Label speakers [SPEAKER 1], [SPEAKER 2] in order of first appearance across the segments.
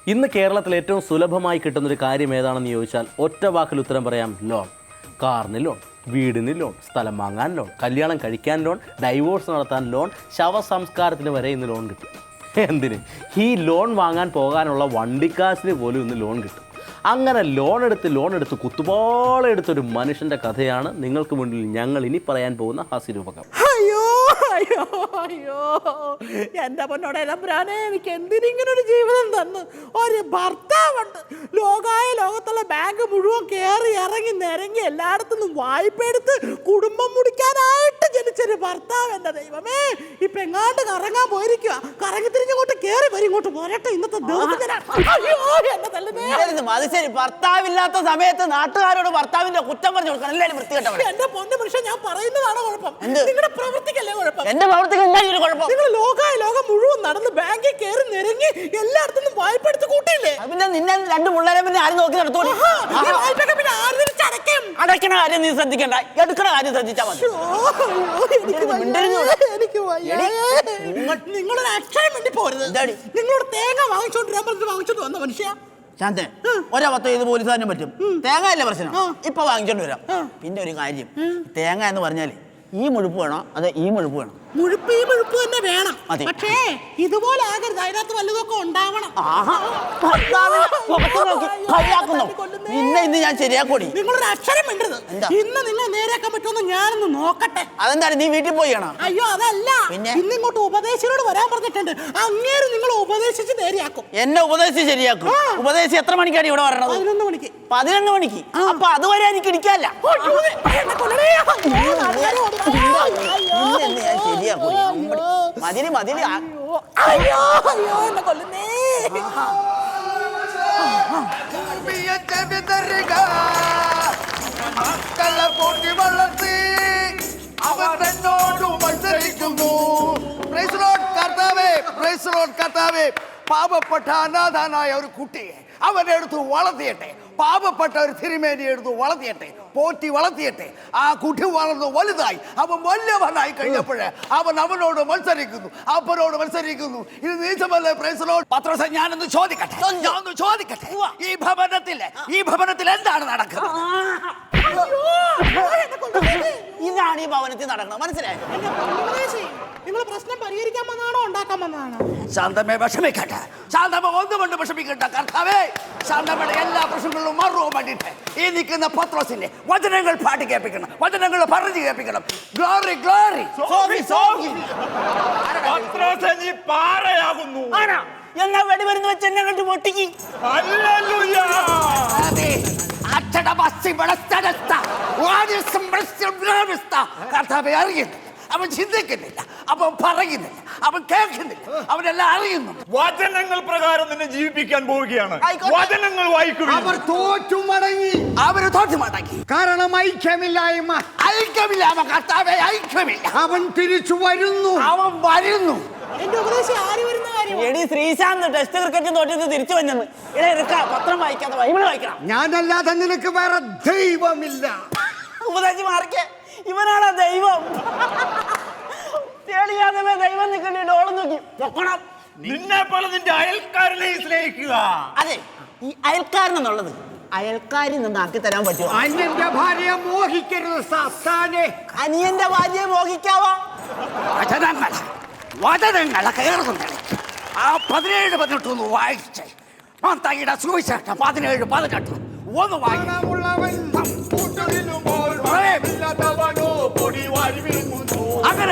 [SPEAKER 1] ഇന്ന് കേരളത്തിൽ ഏറ്റവും സുലഭമായി കിട്ടുന്നൊരു കാര്യം ഏതാണെന്ന് ചോദിച്ചാൽ ഒറ്റ വാക്കിൽ ഉത്തരം പറയാം, ലോൺ. കാറിന് ലോൺ, വീടിന് ലോൺ, സ്ഥലം വാങ്ങാൻ ലോൺ, കല്യാണം കഴിക്കാൻ ലോൺ, ഡൈവോഴ്സ് നടത്താൻ ലോൺ, ശവസംസ്കാരത്തിന് വരെ ഇന്ന് ലോൺ കിട്ടും. എന്തിന്? ഈ ലോൺ വാങ്ങാൻ പോകാനുള്ള വണ്ടിക്കാശിന് പോലും ഇന്ന് ലോൺ കിട്ടും. അങ്ങനെ ലോൺ എടുത്ത് കുത്തുപാളെടുത്തൊരു മനുഷ്യൻ്റെ കഥയാണ് നിങ്ങൾക്ക് മുന്നിൽ ഞങ്ങൾ ഇനി പറയാൻ പോകുന്ന ഹാസ്യരൂപകം.
[SPEAKER 2] അയ്യോ അയ്യോ അയ്യോ എൻ്റെ പൊന്നോടെ എലമ്പുരാനെ, എനിക്ക് എന്തിനിങ്ങനൊരു ജീവിതം തന്നു. ഒരു ഭർത്താവുണ്ട്, ലോകത്തുള്ള ബാങ്ക് മുഴുവൻ കയറി ഇറങ്ങി നിരങ്ങി എല്ലായിടത്തുനിന്നും വായ്പ എടുത്ത് കുടുംബം മുടിക്കാനായിട്ട് ജനിച്ചൊരു ഭർത്താവ്. എൻ്റെ ദൈവമേ, ഇപ്പൊ എങ്ങാണ്ട് കറങ്ങാൻ പോയിരിക്കുക. കറങ്ങി തിരിഞ്ഞങ്ങോട്ട് കയറി വരും, ഇങ്ങോട്ട് പോരട്ടെ ഇന്നത്തെ ദിവസം.
[SPEAKER 3] ഭർത്താവില്ലാത്ത സമയത്ത് നാട്ടുകാരോട് ഭർത്താവിന്റെ കുറ്റം പറഞ്ഞു കൊടുക്കണം. എല്ലാവരും വൃത്തികെട്ടവൻ.
[SPEAKER 2] എന്റെ പൊന്നു മനുഷ്യൻ, ഞാൻ പറയുന്നതാണ് കുഴപ്പം, നിങ്ങളുടെ പ്രവൃത്തിക്കല്ലേ കുഴപ്പം.
[SPEAKER 3] എന്റെ പ്രവൃത്തിക്ക് എന്തായാലും കുഴപ്പം.
[SPEAKER 2] നിങ്ങൾ ലോകം മുഴുവൻ നടന്ന് ബാങ്കിൽ കയറി നിരങ്ങി എല്ലായിടത്തും വായ്പ എടുത്ത് കൂട്ടിയില്ലേ?
[SPEAKER 3] പിന്നെ നിന്നെ രണ്ട് പിള്ളേരെ പിന്നെ ആരും നോക്കി നടത്തോളൂ. അടയ്ക്കണ കാര്യം നീ ശ്രദ്ധിക്കണ്ട, എടുക്കണ കാര്യം ശ്രദ്ധിച്ചാൽ മതി.
[SPEAKER 2] നിങ്ങളൊരു അക്ഷരം വേണ്ടി പോരുത്. നിങ്ങളോട് തേങ്ങ വാങ്ങിച്ചോണ്ട് വന്ന മനുഷ്യ
[SPEAKER 3] ശാന്തേ, ഒരവത്തോ ഇത് പോലീസുകാരനും പറ്റും. തേങ്ങ അല്ലേ പ്രശ്നം, ഇപ്പൊ വാങ്ങിച്ചോണ്ട് വരാം. പിന്നെ ഒരു കാര്യം, തേങ്ങ എന്ന് പറഞ്ഞാല് ഈ മുഴുപ്പ് വേണോ അതെ ഈ മുഴുപ്പ് വേണം?
[SPEAKER 2] മുഴുപ്പ് ഈ മുഴുപ്പ് തന്നെ വേണം. പക്ഷേ ഇതുപോലെ ആകരുത്, അതിനകത്ത് വല്ലതൊക്കെ ഉണ്ടാവണം.
[SPEAKER 3] പിന്നെ ഇന്ന് ഞാൻ ശരിയാക്കോടി.
[SPEAKER 2] നിങ്ങളൊരു അക്ഷരം വേണ്ടത്. ഇന്ന് നിങ്ങൾ നേരെയാക്കാൻ പറ്റുമെന്ന് ഞാനൊന്ന് നോക്കട്ടെ.
[SPEAKER 3] അതെന്താണ്, നീ വീട്ടിൽ പോയിയാണോ?
[SPEAKER 2] അയ്യോ അതല്ല, ഇന്ന് ഇങ്ങോട്ട് ഉപദേശിനോട് വരാൻ പറഞ്ഞിട്ടുണ്ട്. അങ്ങേര് നിങ്ങൾ ഉപദേശിച്ച് നേരെയാക്കും.
[SPEAKER 3] എന്നെ ഉപദേശിച്ച് ശരിയാക്കും. ഉപദേശിച്ച് എത്ര മണിക്കാണ് ഇവിടെ വരണത്?
[SPEAKER 2] 11 മണിക്ക്.
[SPEAKER 3] 11 മണിക്ക്? അപ്പൊ അതുവരെ എനിക്ക് ഇരിക്കാല്ല. മതിരി മതിരി.
[SPEAKER 2] അയ്യോ അയ്യോ എന്നെ കൊല്ലുന്നേ.
[SPEAKER 4] മക്കളെ വളർത്തി അവർ എന്നോട് മത്സരിക്കുന്നു. കർത്താവേ, പാപപ്പെട്ട അനാഥനായ ഒരു കുട്ടിയെ അവനെടുത്ത് വളർത്തിയട്ടെ. പാപപ്പെട്ട ഒരു തിരുമേനി എടുത്ത് വളർത്തിയട്ടെ, പോറ്റി വളർത്തിയട്ടെ. ആ കുട്ടി വളർന്നു വലുതായി, അവൻ വലിയവനായി കഴിഞ്ഞപ്പോഴേ അവനോട് മത്സരിക്കുന്നു. ഇത് നീചമല്ലേ? Praise the Lord. പത്രോസേ, ഞാനൊന്ന് ചോദിക്കട്ടെ. ഈ ഭവനത്തിൽ എന്താണ് നടക്കുന്നത്?
[SPEAKER 3] ഇതാണ് ഈ ഭവനത്തിൽ നടക്കുന്നത്, മനസ്സിലായോ?
[SPEAKER 2] നിങ്ങൾ പ്രശ്നം പരിഹരിക്കാൻ വന്നാണോ ഉണ്ടാക്കാൻ വന്നതാണോ?
[SPEAKER 4] ശാന്തമേ, വിഷമിക്കട്ടെ. ശാന്തമ ഒന്നുകൊണ്ട് വിഷമിക്കട്ടെ. കർത്താവേ, ശാന്തമ്മയുടെ എല്ലാ പ്രശ്നങ്ങളിലും മറുപടി വേണ്ടിയിട്ട് ഈ നിൽക്കുന്ന പത്രോസിന്റെ വചനങ്ങൾ പാട്ട് കേൾപ്പിക്കണം, വചനങ്ങൾ പറഞ്ഞു കേൾപ്പിക്കണം. Glory glory.
[SPEAKER 3] എന്നാ വെടിമരുന്ന് വെച്ച് എന്നെ കണ്ട് പൊട്ടിക്ക്.
[SPEAKER 4] കർത്താവേ, അറിയുന്നു, അവൻ ചിന്തിക്കുന്നില്ല, അവൻ പറയുന്നില്ല, അവൻ കേൾക്കുന്നില്ല, അവനെല്ലാം അറിയുന്നു.
[SPEAKER 5] വചനങ്ങൾ പ്രകാരം നിന്നെ ജീവിപ്പിക്കാൻ പോവുകയാണ്. വചനങ്ങൾ വായിക്കുക.
[SPEAKER 4] അവർ തോറ്റു മടങ്ങി. കാരണം ഐക്യമില്ലായ്മ. കർത്താവേ, ഐക്യമില്ല. അവൻ തിരിച്ചു വരുന്നു.
[SPEAKER 2] എന്റെ ഉപദേശം ആര് വരുന്ന കാര്യം?
[SPEAKER 3] എടി ശ്രീശാന്ത് ടെസ്റ്റ് ക്രിക്കറ്റ് തോറ്റത് തിരിച്ചു വന്നെന്ന്. പത്രം വായിക്കാതെ ബൈബിൾ വായിക്കണം.
[SPEAKER 4] ഞാനല്ലാതെ നിനക്ക് വേറെ ദൈവമില്ല.
[SPEAKER 3] ഉപദേശി മാറിക്കേ, ഇവനാണ് ദൈവം. തെളിയാതെ ദൈവം നിൽക്കണ്ടേ, ഡോളം നോക്കി പൊക്കണം.
[SPEAKER 5] നിന്നെ പോലെ നിന്റെ അയൽക്കാരനെ സ്നേഹിക്കുക.
[SPEAKER 3] അതെ, ഈ അയൽക്കാരനെന്നുള്ളത് അയൽക്കാരിൽ നിന്നാക്കി തരാൻ പറ്റുമോ?
[SPEAKER 4] അന്യന്റെ ഭാര്യയെ മോഹിക്കരുത് സാത്താനെ.
[SPEAKER 3] അനിയന്റെ ഭാര്യയെ മോഹിക്കാവോ?
[SPEAKER 4] വചനങ്ങളെ കയറുന്നുണ്ട്. ആ 17-18 ഒന്ന് വായിച്ചേ. മത്തായിയുടെ സുവിശേഷം 17-18 ഒന്ന് വായിക്കണം. അങ്ങനെ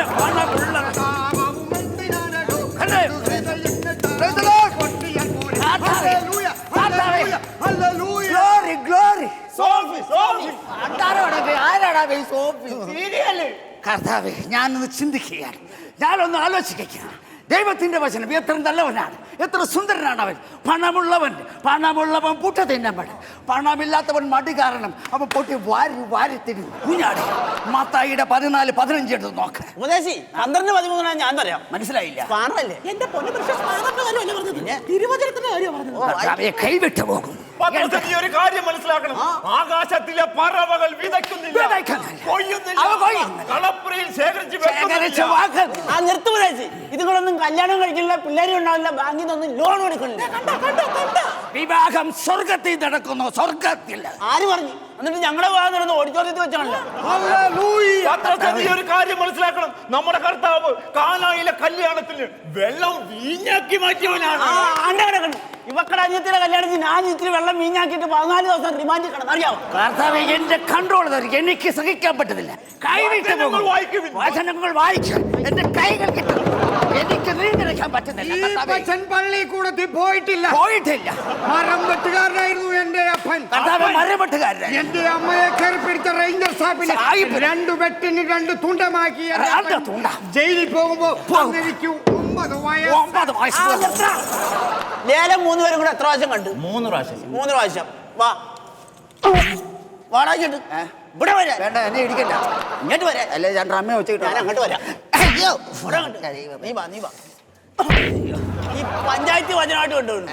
[SPEAKER 4] കർത്താവേ, ഞാനൊന്ന് ചിന്തിക്കുകയാണ്, ഞാനൊന്ന് ആലോചിക്കുകയാണ്. ദൈവത്തിന്റെ വചനം എത്ര നല്ലവനാണ്, എത്ര സുന്ദരനാണ് അവൻ. പണമുള്ളവൻ പുട്ട തിന്നപ്പെട, പണമില്ലാത്തവൻ മടി കാരണം അവൻ പൊട്ടി വാരി തിന്നു കുഞ്ഞാടി. മത്തായിയുടെ 14-15 എടുത്ത് നോക്ക.
[SPEAKER 3] ഉപദേശി 12-13 ഞാൻ പറയാം.
[SPEAKER 4] മനസ്സിലായില്ല?
[SPEAKER 2] എന്റെ പൊന്നു തിരുവചനത്തിന്റെ കാര്യം
[SPEAKER 4] കൈവിട്ടു പോകും.
[SPEAKER 5] ഒരു കാര്യം മനസ്സിലാക്കണം, ആകാശത്തിലെ പറവകൾ വിതയ്ക്കുന്നില്ല, കളപ്പുരയിൽ ശേഖരിച്ച്
[SPEAKER 3] നിർത്തുപദേശി. ഇതുങ്ങളൊന്നും കല്യാണം കഴിക്കില്ല, പിള്ളേരും ഉണ്ടാവില്ല, ബാങ്കിൽ നിന്നൊന്നും ലോൺ എടുക്കണില്ല.
[SPEAKER 4] വിവാഹം സ്വർഗത്തിൽ നടക്കുന്നു, സ്വർഗത്തിൽ.
[SPEAKER 3] ആര് പറഞ്ഞു? എന്നിട്ട് ഞങ്ങളെ വിവാഹം നടന്ന് ഓഡിറ്റോറിയത്തിൽ വെച്ചാണല്ലോ.
[SPEAKER 5] പത്രത്തിൽ നീ ഒരു കാര്യം മനസ്സിലാക്കണം. നമ്മുടെ കർത്താവ് കാനായിലെ കല്യാണത്തിന് വെള്ളം വീഞ്ഞാക്കി മാറ്റിയവനാണ്.
[SPEAKER 3] ഇവക്കടെ അനിയത്തിയുടെ കല്യാണത്തിന് ഞാൻ ഇത്തിരി വെള്ളം വീഞ്ഞാക്കിയിട്ട് 14 ദിവസം റിമാൻഡിൽ കിടന്നു. അറിയാമോ?
[SPEAKER 4] കർത്താവേ, എന്റെ കൺട്രോൾ എനിക്ക് സഹിക്കാൻ പറ്റുന്നില്ല.
[SPEAKER 5] വചനങ്ങൾ വായിക്കുവിൻ.
[SPEAKER 4] വചനങ്ങൾ വായിക്കാൻ എന്റെ കൈകൾ കിട്ടും. എനിക്ക് നീന്തിരിക്കാൻ പറ്റുന്നില്ല.
[SPEAKER 6] പള്ളി കൂടത്തിൽ പോയിട്ടില്ല. മരം വെട്ടുകാരനായിരുന്നു എന്റെ അപ്പൻ.
[SPEAKER 4] മരം വെട്ടുകാരൻ.
[SPEAKER 6] എന്റെ അമ്മയെ കയറി പിടിച്ച റേഞ്ചർ സാഹിബിന് 2 വെട്ടിന് 2 തുണ്ടമാക്കി ജയിലിൽ പോകുമ്പോ എനിക്ക് 9 വയസ്സ്.
[SPEAKER 3] ലേലം 3 പേരും കൂടെ എത്ര പ്രാവശ്യം കണ്ടു?
[SPEAKER 4] 3 പ്രാവശ്യം.
[SPEAKER 3] 3 പ്രാവശ്യം. വാ വാടാക്കിട്ട് ഇവിടെ വരാം.
[SPEAKER 4] വേണ്ട, എന്നെ ഇടിക്കണ്ട.
[SPEAKER 3] ഇങ്ങോട്ട് വരാം.
[SPEAKER 4] അല്ലെ ഞാൻ അമ്മ വെച്ചിട്ട്
[SPEAKER 3] ഞാൻ അങ്ങോട്ട് വരാം. നീ വാ നീ വാ. ഈ പഞ്ചായത്ത് വചനമായിട്ട് കൊണ്ടുപോകുന്നു.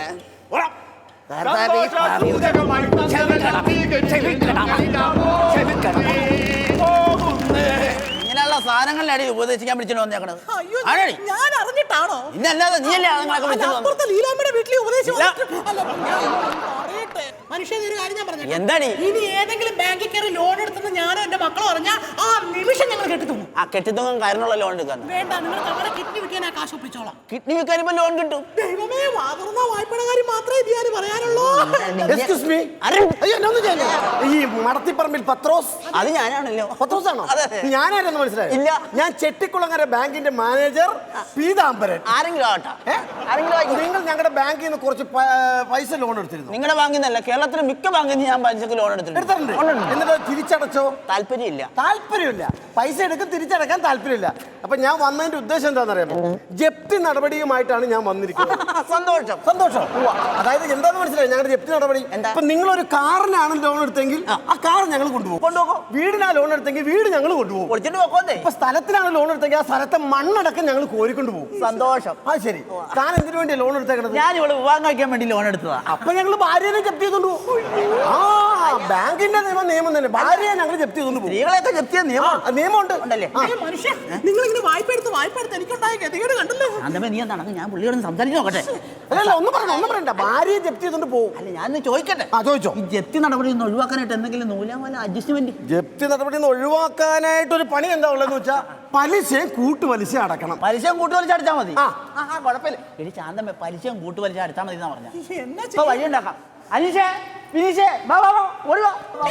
[SPEAKER 3] ഇങ്ങനെയുള്ള സാധനങ്ങളിലാണ് ഉപദേശിക്കാൻ വിളിച്ചിട്ട് വന്നേക്കണത്.
[SPEAKER 2] അയ്യോ,
[SPEAKER 3] ആണോടി?
[SPEAKER 2] ഞാൻ അറിഞ്ഞിട്ടാണോ?
[SPEAKER 3] ഇന്നല്ലാതെ നീയല്ലേ അതുങ്ങളൊക്കെ വിളിച്ചത്?
[SPEAKER 2] അപ്പുറത്തെ ലീലാമ്മയുടെ വീട്ടിൽ ഉപദേശം വന്നിട്ട്- അല്ല, ഞാൻ പറയട്ടെ. മനുഷ്യൻ ഒരു കാര്യം ഞാൻ പറഞ്ഞു.
[SPEAKER 3] എന്താടി?
[SPEAKER 2] ഇനി ഏതെങ്കിലും ബാങ്കിൽ കയറി ലോൺ എടുത്തെന്ന് ഞാനോ എന്റെ മക്കളോ പറഞ്ഞാൽ ആ നിമിഷം ഞങ്ങൾ കെട്ടിത്തുന്നു.
[SPEAKER 3] ആ കെട്ടിത്തങ്ങും കാരണമുള്ള ലോൺ എടുക്കാൻ.
[SPEAKER 2] വേണ്ട, നിങ്ങൾ നമ്മുടെ കിഡ്നി വിൽക്കാൻ ആ കാശ് ഒപ്പിച്ചോളാം.
[SPEAKER 3] കിഡ്നി വിൽക്കാൻ ഇപ്പൊ ലോൺ കിട്ടും.
[SPEAKER 2] ദൈവമേ, വാതുറന്ന വായ്പയുടെ കാര്യം മാത്രമേ ഇത് ഞാൻ പറയാനുള്ളൂ.
[SPEAKER 7] Excuse me. അയ്യോ, എന്നൊന്നും ചെയ്യല്ലേ. ഈ മടത്തിപ്പറമ്പിൽ പത്രോസ്.
[SPEAKER 3] അത് ഞാനാണല്ലോ.
[SPEAKER 7] പത്രോസ് ആണോ?
[SPEAKER 3] അതെ.
[SPEAKER 7] ഞാനാരെന്ന് മനസ്സിലായി?
[SPEAKER 3] ഇല്ല.
[SPEAKER 7] ഞാൻ ചെട്ടിക്കുളങ്ങര ബാങ്കിന്റെ മാനേജർ പീതാംബരൻ.
[SPEAKER 3] ആരെങ്കിലും ആവട്ടെ. ആരെങ്കിലും ആയിക്കോട്ടെ.
[SPEAKER 7] നിങ്ങൾ ഞങ്ങളുടെ ബാങ്കിൽ നിന്ന് കുറച്ച് പൈസ ലോൺ എടുത്തിരുന്നു.
[SPEAKER 3] നിങ്ങളുടെ ബാങ്കിൽ നിന്നല്ല, കേരളത്തിലെ മിക്ക ബാങ്കിൽ നിന്ന് ഞാൻ പലിശക്ക് ലോൺ എടുത്തിട്ടുണ്ട്.
[SPEAKER 7] എന്നിട്ട് തിരിച്ചടച്ചോ?
[SPEAKER 3] താല്പര്യമില്ല.
[SPEAKER 7] താല്പര്യമില്ല. പൈസ എടുക്കും, തിരിച്ചടക്കാൻ താല്പര്യമില്ല. അപ്പൊ ഞാൻ വന്നതിന്റെ ഉദ്ദേശം എന്താണെന്നറിയാമോ? ജപ്തി നടപടിയുമായിട്ടാണ് ഞാൻ വന്നിരിക്കുന്നത്.
[SPEAKER 3] സന്തോഷം.
[SPEAKER 7] സന്തോഷം. അതായത് എന്താന്ന് മനസ്സിലായി ഞങ്ങളുടെ ജപ്തി നടപടി? ഇപ്പൊ നിങ്ങളൊരു കാറിനാണ് ലോൺ എടുത്തെങ്കിൽ ആ കാർ ഞങ്ങൾ കൊണ്ടുപോകും. വീടിനാ ലോൺ എടുത്തെങ്കിൽ വീട് ഞങ്ങൾ കൊണ്ടുപോകും.
[SPEAKER 3] പൊളിച്ചിട്ട് പോക്കോന്നേ.
[SPEAKER 7] ഇപ്പൊ സ്ഥലത്തിനാണ് ലോൺ എടുത്തെങ്കിൽ ആ സ്ഥലത്തെ മണ്ണടക്കം ഞങ്ങൾ കോരിക്കൊണ്ട് പോകും.
[SPEAKER 3] സന്തോഷം.
[SPEAKER 7] ആ ശരി. താൻ എന്തിനു വേണ്ടിയാ ലോൺ എടുത്തേക്കണത്?
[SPEAKER 3] ഞാൻ ഇവിടെ വിവാഹം കഴിക്കാൻ വേണ്ടി ലോൺ എടുത്തതാ.
[SPEAKER 7] അപ്പൊ ഞങ്ങൾ ഭാര്യനെ ജപ്തി ചെയ്തോണ്ട് പോകും. ആ ബാങ്കിന്റെ നിയമം തന്നെ. ഭാര്യയെ ഞങ്ങൾ ജപ്തി ചെയ്തോണ്ട് പോകും.
[SPEAKER 3] സ്ത്രീകളെയൊക്കെ ജപ്തി ചെയ്യാൻ
[SPEAKER 7] നിയമമുണ്ട്
[SPEAKER 3] ഉണ്ടല്ലേ?
[SPEAKER 2] മനുഷ്യൻ, നിങ്ങൾ ഇങ്ങനെ വായ്പ എടുത്ത് എനിക്കുണ്ടായ ഗതികേട് കണ്ടല്ലോ.
[SPEAKER 3] അന്തമേ നീ എന്താണ്? ഞാൻ പുള്ളിയോട് സംസാരിച്ച് നോക്കട്ടെ.
[SPEAKER 7] അല്ല, ഒന്നും പറയണ്ട. ഭാര്യയെ ജപ്തി ചെയ്തോണ്ട് പോകും.
[SPEAKER 3] അല്ല, ഞാൻ ചോദിക്കട്ടെ.
[SPEAKER 7] ചോദിച്ചോ.
[SPEAKER 3] ഈ ജപ്തി നടപടി ഒന്ന് ഒഴിവാക്കാനായിട്ട് എന്തെങ്കിലും നൂലാമല അഡ്ജസ്റ്റ്മെന്റ്?
[SPEAKER 7] ജപ്തി നടപടി ഒഴിവാക്കാനായിട്ട് ഒരു പണി എന്താ ഉള്ളതെന്ന് വെച്ചാൽ പലിശയും കൂട്ടുപലിശ അടക്കണം.
[SPEAKER 3] പലിശയും കൂട്ടുപലിശ അടിച്ചാൽ മതി.
[SPEAKER 7] ആ.
[SPEAKER 3] കുഴപ്പമില്ല. എടി ശാന്തമ്മ, പലിശയും കൂട്ടുപലിശ അടിച്ചാൽ മതി എന്നാ പറഞ്ഞ.
[SPEAKER 2] എന്നാ
[SPEAKER 3] ഇപ്പൊ വഴി ഉണ്ടാക്കാം. അനീഷേ, വിനീഷേ, വാ വാ വാ, ഓടി വാ.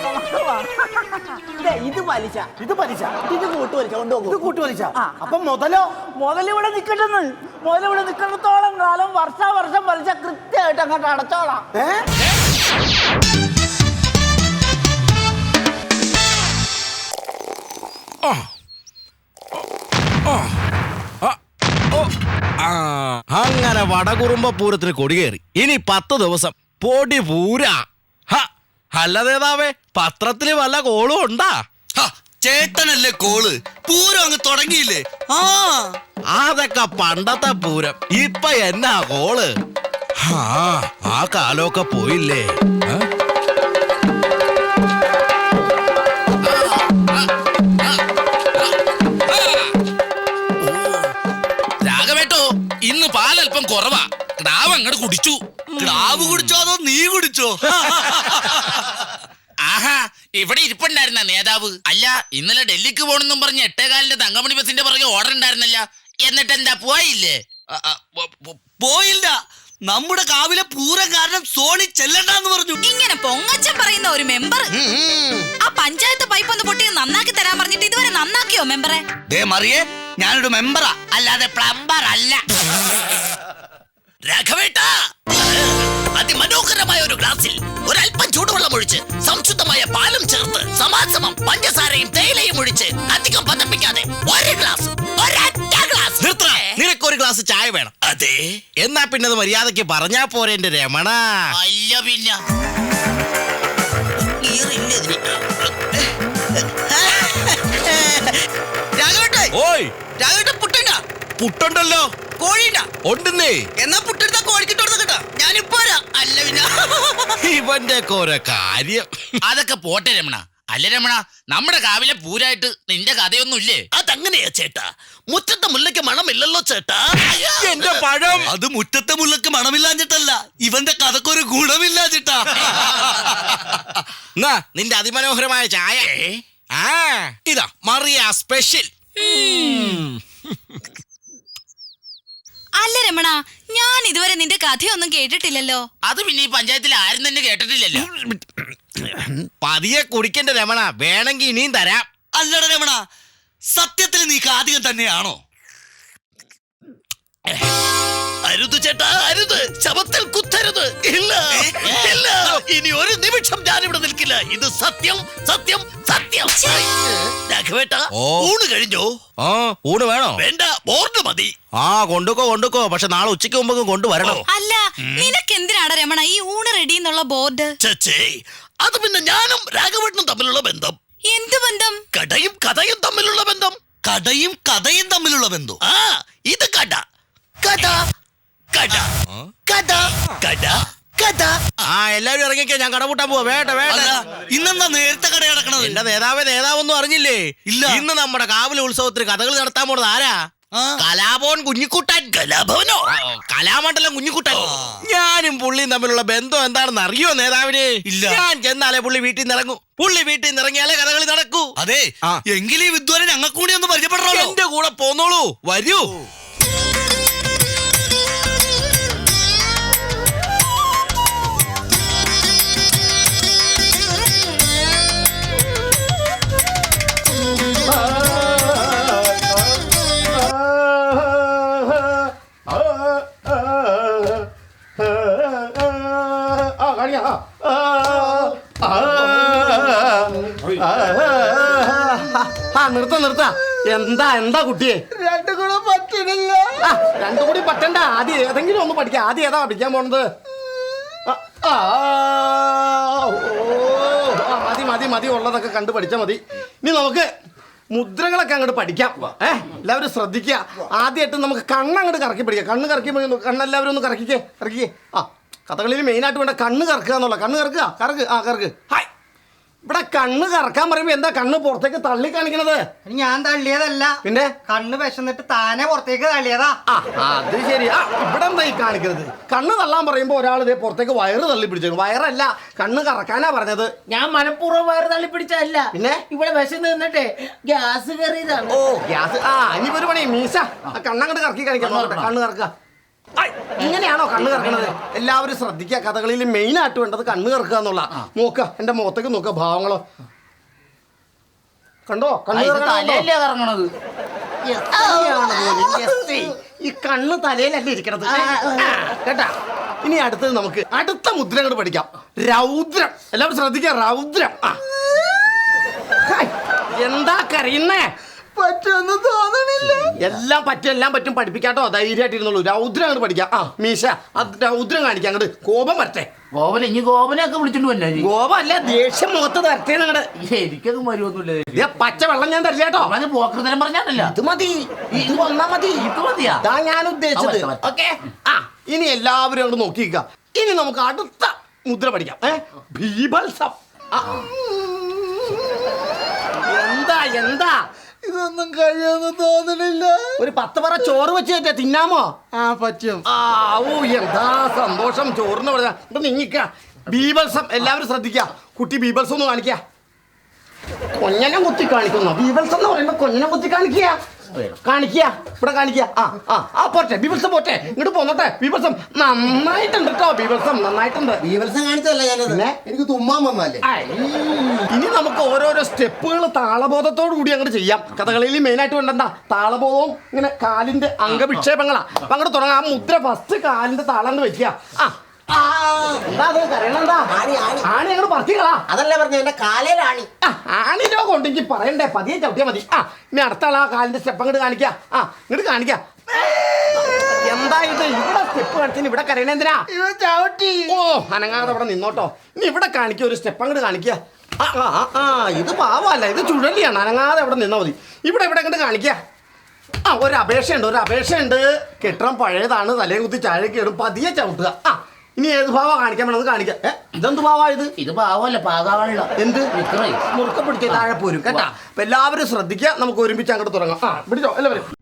[SPEAKER 3] ഇത് പലിശ,
[SPEAKER 7] ഇത് പലിശ,
[SPEAKER 3] ഇത് കൂട്ടുപലിശ.
[SPEAKER 7] ഇത്
[SPEAKER 3] കൊണ്ടുപോകും.
[SPEAKER 7] കൂട്ടുപലിശ.
[SPEAKER 3] ആ.
[SPEAKER 7] അപ്പൊ മുതലോ?
[SPEAKER 3] മുതലിവിടെ നിൽക്കട്ടെന്ന്. മുതലിവിടെ നിൽക്കുന്നിടത്തോളം കാലം വർഷം പലിശ കൃത്യമായിട്ട് അങ്ങോട്ട് അടച്ചോളാം.
[SPEAKER 8] അങ്ങനെ വടകുറുമ്പ പൂരത്തിന് കൊടികേറി. ഇനി 10 ദിവസം പൊടി പൂരാ. അല്ലതേതാവേ, പത്രത്തില് വല്ല കോളും ഉണ്ടാ?
[SPEAKER 9] ചേട്ടനല്ലേ കോള്. പൂരം അങ്ങ് തുടങ്ങിയില്ലേ?
[SPEAKER 8] അതൊക്കെ പണ്ടത്തെ പൂരം. ഇപ്പൊ എന്നാ കോള്? ആ കാലമൊക്കെ പോയില്ലേ?
[SPEAKER 9] രാഘവേട്ടോ, ഇന്ന് പാലല്പം കുറവാ. ക്ടാവ് അങ്ങോട്ട് കുടിച്ചു. ക്ടാവ് കുടിച്ചോ അതോ നീ കുടിച്ചോ? ആഹാ, ഇവിടെ ഇരിപ്പുണ്ടായിരുന്ന നേതാവ്. അല്ല, ഇന്നലെ ഡൽഹിക്ക് പോണെന്നും പറഞ്ഞ് 8:15 തങ്കമണി ബസിന്റെ പുറകെ ഓർഡർ ഉണ്ടായിരുന്നല്ല. എന്നിട്ട് എന്താ പോയില്ലേ? പോയില്ല. നമ്മുടെ കാവിലെ പൂരം കാരണം സോണി ചെല്ലണ്ടെന്ന് പറഞ്ഞു.
[SPEAKER 10] ഇങ്ങനെ പൊങ്ങച്ചം പറയുന്ന ഒരു മെമ്പർ ആ പഞ്ചായത്ത് പൈപ്പ് ഒന്ന് പൊട്ടി നന്നാക്കി തരാൻ പറഞ്ഞിട്ട് ഇതുവരെ നന്നാക്കിയോ മെമ്പറെ?
[SPEAKER 9] ദേ മറിയേ, ഞാനൊരു മെമ്പറാ, അല്ലാതെ പ്ലംബർ അല്ല. രാഘവേട്ടാ, അതിമനോഹരമായ ഒരു ഗ്ലാസിൽ ഒരല്പം ചൂടുവെള്ളം ഒഴിച്ച് സംശുദ്ധമായ പാലും ചേർത്ത് സമാസമം പഞ്ചസാരയും തേയിലയും ഒഴിച്ച് അധികം പതപ്പിക്കാതെ ഒരു ഗ്ലാസ്, ഒരൊറ്റ ഗ്ലാസ്.
[SPEAKER 8] നിനക്കൊരു ഗ്ലാസ് ചായ വേണം?
[SPEAKER 9] അതെ.
[SPEAKER 8] എന്നാ പിന്നെ അത് മര്യാദക്ക് പറഞ്ഞാ പോരെ എന്റെ രമണ.
[SPEAKER 9] അല്ല പിന്നെ രാഘവേട്ടേ,
[SPEAKER 8] ഓയ്
[SPEAKER 9] രാഘവേട്ട പുട്ടുണ്ടോ?
[SPEAKER 8] പുട്ടുണ്ടല്ലോ.
[SPEAKER 9] കോഴിയുണ്ടോ?
[SPEAKER 8] ഉണ്ടെന്നേ.
[SPEAKER 9] എന്നാ പുട്ടെടുത്താ കോഴിക്കിട്ടോടുത്ത കേട്ടോ. ഞാനിപ്പോ അല്ല പിന്നെ
[SPEAKER 8] ഇവന്റെ ഓരോ കാര്യം.
[SPEAKER 9] അതൊക്കെ പോട്ടെ രമണ. അല്ല രമണ, നമ്മുടെ കാവിലെ പൂരായിട്ട് നിന്റെ കഥയൊന്നും ഇല്ലേ? അതങ്ങനെയാ ചേട്ടാ.
[SPEAKER 8] മുറ്റത്തെ മുല്ലയ്ക്ക് മണമില്ലല്ലോ ചേട്ടാ. എന്റെ പഴം. അത് മുറ്റത്തെ മുല്ലക്ക് മണമില്ലാഞ്ഞിട്ടല്ല, ഇവന്റെ കഥക്കൊരു ഗുണമില്ലാഞ്ഞിട്ടാ. നിന്റെ അതിമനോഹരമായ ചായ. ഇതാ മറിയ സ്പെഷ്യൽ.
[SPEAKER 10] അല്ല രമണ, ഞാൻ ഇതുവരെ നിന്റെ കഥയൊന്നും കേട്ടിട്ടില്ലല്ലോ.
[SPEAKER 9] അത് പിന്നെ ഈ പഞ്ചായത്തിൽ ആരും തന്നെ കേട്ടിട്ടില്ലല്ലോ.
[SPEAKER 8] പതിയെ കുടിക്കണ്ട രമണ, വേണമെങ്കിൽ ഇനിയും തരാം.
[SPEAKER 9] അല്ലട രമണ, സത്യത്തിൽ നീ കാതികം തന്നെയാണോ?
[SPEAKER 8] അരുത് ചേട്ടാ, അരുത്. ശവത്തിൽ കുത്തരുത്. ഇല്ല ഇല്ല, ഇനി ഒരു നിമിഷം ഞാനിവിടെ നിൽക്കില്ല. ഇത് സത്യം സത്യം സത്യം. രാഘവേട്ട, ഊണ് കഴിഞ്ഞോ? ഊണ് വേണോ? വേണ്ട, ബോർഡ് മതി. കൊണ്ടുക്കോ. പക്ഷെ നാളെ ഉച്ചയ്ക്ക് മുമ്പ് കൊണ്ടുവരണം.
[SPEAKER 10] അല്ല, നിനക്ക് എന്തിനാണ് രമണ ഈ ഊണ് റെഡി എന്നുള്ള ബോർഡ്?
[SPEAKER 8] ചേച്ചേ, അത് പിന്നെ ഞാനും രാഘവേട്ടനും തമ്മിലുള്ള ബന്ധം.
[SPEAKER 10] എന്ത് ബന്ധം?
[SPEAKER 8] കടയും കഥയും തമ്മിലുള്ള ബന്ധം. കടയും കഥയും തമ്മിലുള്ള ബന്ധം. ഇത് കട കഥ കഥ കഥ കഥ കഥ. എല്ലാവരും ഇറങ്ങിക്കോ, ഞാൻ കട പൂട്ടാൻ പോവാ. വേണ്ട.
[SPEAKER 9] ഇന്നെന്താ നേരത്തെ കട കിടക്കണത്?
[SPEAKER 8] എന്റെ നേതാവൊന്നും അറിഞ്ഞില്ലേ? ഇല്ല. ഇന്ന് നമ്മുടെ കാവിലെ ഉത്സവത്തിന് കഥകൾ നടത്താൻ പോണത് ആരാ? കലാഭവൻ കുഞ്ഞിക്കുട്ടൻ. കലാഭവനോ? കലാമണ്ഡലം കുഞ്ഞിക്കുട്ടൻ. ഞാനും പുള്ളിയും തമ്മിലുള്ള ബന്ധം എന്താണെന്ന് അറിയോ നേതാവിന്? ഇല്ല. ഞാൻ ചെന്നാലേ പുള്ളി വീട്ടിൽ നിന്ന് ഇറങ്ങൂ. പുള്ളി വീട്ടിൽ നിന്ന് ഇറങ്ങിയാലേ കഥകളി നടക്കൂ.
[SPEAKER 9] അതെ, എങ്കിലും ഈ വിദ്വാനെ ഞങ്ങൾക്ക് കൂടി ഒന്ന് പരിചയപ്പെടണോ?
[SPEAKER 8] എന്റെ കൂടെ പോന്നോളൂ, വരൂ.
[SPEAKER 7] നിർത്ത. എന്താ കുട്ടിയെ?
[SPEAKER 4] രണ്ടും കൂടെ പറ്റണില്ല.
[SPEAKER 7] രണ്ടും കൂടി പറ്റണ്ട. ആദ്യം ഏതെങ്കിലും ഒന്ന് പഠിക്കാം. ആദ്യം ഏതാ പഠിക്കാൻ പോണത്? മതി ഉള്ളതൊക്കെ കണ്ടു പഠിച്ചാൽ മതി. ഇനി നമുക്ക് മുദ്രകളൊക്കെ അങ്ങോട്ട് പഠിക്കാം. എല്ലാവരും ശ്രദ്ധിക്കുക. ആദ്യമായിട്ട് നമുക്ക് കണ്ണങ്ങോട്ട് കറക്കി പഠിക്കാം. കണ്ണ് കറക്കി, കണ്ണെല്ലാവരും ഒന്ന് കറക്കിക്കേ. കഥകളിൽ മെയിനായിട്ട് വേണ്ട കണ്ണ് കറക്കുക എന്നുള്ള. കണ്ണ് കറക്ക്. ഹായ്. ഇവിടെ കണ്ണ് കറക്കാൻ പറയുമ്പോ എന്താ കണ്ണ് പുറത്തേക്ക് തള്ളി കാണിക്കണത്?
[SPEAKER 6] ഞാൻ തള്ളിയതല്ല,
[SPEAKER 7] പിന്നെ
[SPEAKER 6] കണ്ണ് വിശന്നിട്ട് താനെ പുറത്തേക്ക് തള്ളിയതാ.
[SPEAKER 7] അത് ശരി. ഇവിടെ എന്താ ഈ കാണിക്കുന്നത്? കണ്ണ് തള്ളാൻ പറയുമ്പോ ഒരാൾ ഇതേ പുറത്തേക്ക് വയറ് തള്ളി പിടിച്ചു. വയറല്ല, കണ്ണ് കറക്കാനാ പറഞ്ഞത്.
[SPEAKER 2] ഞാൻ മനഃപൂർവ്വം വയറ് തള്ളി പിടിച്ചല്ല,
[SPEAKER 7] പിന്നെ
[SPEAKER 2] ഇവിടെ വിശന്ന് നിന്നിട്ടേ ഗ്യാസ് കയറിയതാണ്.
[SPEAKER 7] ഗ്യാസ്. ഇനിയിപ്പോ ഒരു പണി, മീശ കണ്ണങ്ങോട്ട് കറക്കി കാണിക്കാം. കണ്ണ് കറക്കുക. ഇങ്ങനെയാണോ കണ്ണ് കറക്കണത്? എല്ലാവരും ശ്രദ്ധിക്കുക. കഥകളിൽ മെയിൻ ആയിട്ട് വേണ്ടത് കണ്ണ് കറക്കുക എന്നുള്ള. നോക്ക, എന്റെ മുഖത്തേക്ക് നോക്ക, ഭാവങ്ങളോ കണ്ടോ? കണ്ണ്
[SPEAKER 2] കറങ്ങണത്.
[SPEAKER 7] ഈ കണ്ണ് തലയിലല്ല ഇരിക്കണത് കേട്ടാ. ഇനി അടുത്തത് നമുക്ക് അടുത്ത മുദ്ര അങ്ങോട്ട് പഠിക്കാം. രൗദ്രം. എല്ലാവരും ശ്രദ്ധിക്കുക. രൗദ്രം. എന്താ കരയുന്നേ?
[SPEAKER 4] പറ്റുമെന്ന് തോന്നണില്ല.
[SPEAKER 7] എല്ലാം പറ്റും. പഠിപ്പിക്കാട്ടോ, ധൈര്യമായിട്ടിരുന്നുള്ളൂ. രൗദ്രം അങ്ങോട്ട് പഠിക്കാം. മീശ, അത് രൗദ്രം കാണിക്കാം. അങ്ങോട്ട് കോപം വരട്ടെ.
[SPEAKER 2] ഗോപനെയൊക്കെ വിളിച്ചിട്ട് വല്ല.
[SPEAKER 7] കോപം അല്ല, ദേഷ്യം മുഖത്ത് വരട്ടെ. നിങ്ങടെ
[SPEAKER 2] എനിക്കൊന്നും വരുമൊന്നുമില്ല.
[SPEAKER 7] പച്ച വെള്ളം ഞാൻ തരില്ല കേട്ടോ.
[SPEAKER 2] പോക്കൃതരം പറഞ്ഞാണല്ലോ.
[SPEAKER 7] ഇത് മതി. ഇത് വന്നാ മതി.
[SPEAKER 2] ഇത് മതിയാ
[SPEAKER 7] ഞാൻ ഉദ്ദേശിച്ചത്. ഓക്കെ. ഇനി എല്ലാവരും അങ്ങോട്ട് നോക്കിക്കുക. ഇനി നമുക്ക് അടുത്ത മുദ്ര പഠിക്കാം. ബീഭത്സം. എന്താ
[SPEAKER 4] ഇതൊന്നും കഴിയുമെന്ന് തോന്നണില്ല.
[SPEAKER 7] ഒരു 10 പറ ചോറ് വെച്ച് തിന്നാമോ?
[SPEAKER 4] പറ്റും.
[SPEAKER 7] എന്താ സന്തോഷം. ചോറിന് പറയാ. നീങ്ങിക്ക. ബീഭത്സം. എല്ലാവരും ശ്രദ്ധിക്കുക. കുട്ടി ബീഭത്സം ഒന്ന് കാണിക്കുക. കൊഞ്ഞനം കുത്തി കാണിക്കുന്നു. ബീഭത്സം എന്ന് പറയുമ്പോ കൊഞ്ഞനം കുത്തി കാണിക്കുക. ഇവിടെ കാണിക്കുക. പോട്ടെ, ബീഭത്സം പോട്ടെ. ഇങ്ങോട്ട് പോന്നോട്ടെ. ബീഭത്സം നന്നായിട്ടുണ്ട് കേട്ടോ. ബീഭത്സം നന്നായിട്ടുണ്ട്.
[SPEAKER 4] ബീഭത്സം കാണിച്ചല്ല ഞാനത്. എനിക്ക് തുമ്മാൻ വന്നല്ലേ.
[SPEAKER 7] ഇനി നമുക്ക് ഓരോരോ സ്റ്റെപ്പുകൾ താളബോധത്തോടു കൂടി അങ്ങോട്ട് ചെയ്യാം. കഥകളിയിൽ മെയിനായിട്ട് വേണ്ടെന്താ താളബോധവും ഇങ്ങനെ കാലിന്റെ അംഗവിക്ഷേപങ്ങളാ. അപ്പൊ അങ്ങോട്ട് തുടങ്ങാം. ആ മുദ്ര ഫസ്റ്റ് കാലിന്റെ താളം വെക്കുക. എന്താ അത് കരയണെന്താ? ആണി അങ്ങോട്ട് പറത്തിക്കളാ.
[SPEAKER 2] അതല്ല പറഞ്ഞു എന്റെ കാലയിലാണ്.
[SPEAKER 7] ആണി രോഗം ഉണ്ടെങ്കിൽ പറയണ്ടേ, പതിയെ ചവിട്ടിയാ മതി. ഇനി അടുത്ത ആളാ കാലിന്റെ സ്റ്റെപ്പ് അങ്ങോട്ട് കാണിക്കാം. ഇങ്ങോട്ട് കാണിക്കാം. എന്താ ഇത്? ഇവിടെ സ്റ്റെപ്പ് കാണിച്ചു. ഇവിടെ കരയണ എന്തിനാ? അനങ്ങാതെ ഇവിടെ നിന്നോട്ടോ. ഇനി ഇവിടെ കാണിക്കുക. ഒരു സ്റ്റെപ്പ് അങ്ങോട്ട് കാണിക്കുക. ഇത് പാവല്ല, ഇത് ചുഴലിയാണ്. അനങ്ങാതെ ഇവിടെ നിന്നാ മതി. ഇവിടെ അങ്ങോട്ട് കാണിക്കുക. ഒരു അപേക്ഷയുണ്ട്. കെട്ടിടം പഴയതാണ്. തലയെ കുത്തി ചാഴയ്ക്ക് ഇടും. പതിയെ ചവിട്ടുക. ഇനി ഏത് ഭാവ കാണിക്കാൻ വേണമെന്ന് കാണിക്കാം. ഇതെന്ത് ഭാവാ ഇത്?
[SPEAKER 2] ഇത് പാവല്ല, പാകാവള്ള.
[SPEAKER 7] എന്ത് മുറുക്ക പിടിച്ച് താഴെ പോരും കേട്ടാ. അപ്പൊ എല്ലാവരും ശ്രദ്ധിക്കുക. നമുക്ക് ഒരുമിച്ച് അങ്ങോട്ട് തുടങ്ങാം. പിടിച്ചോ എല്ലാവരും.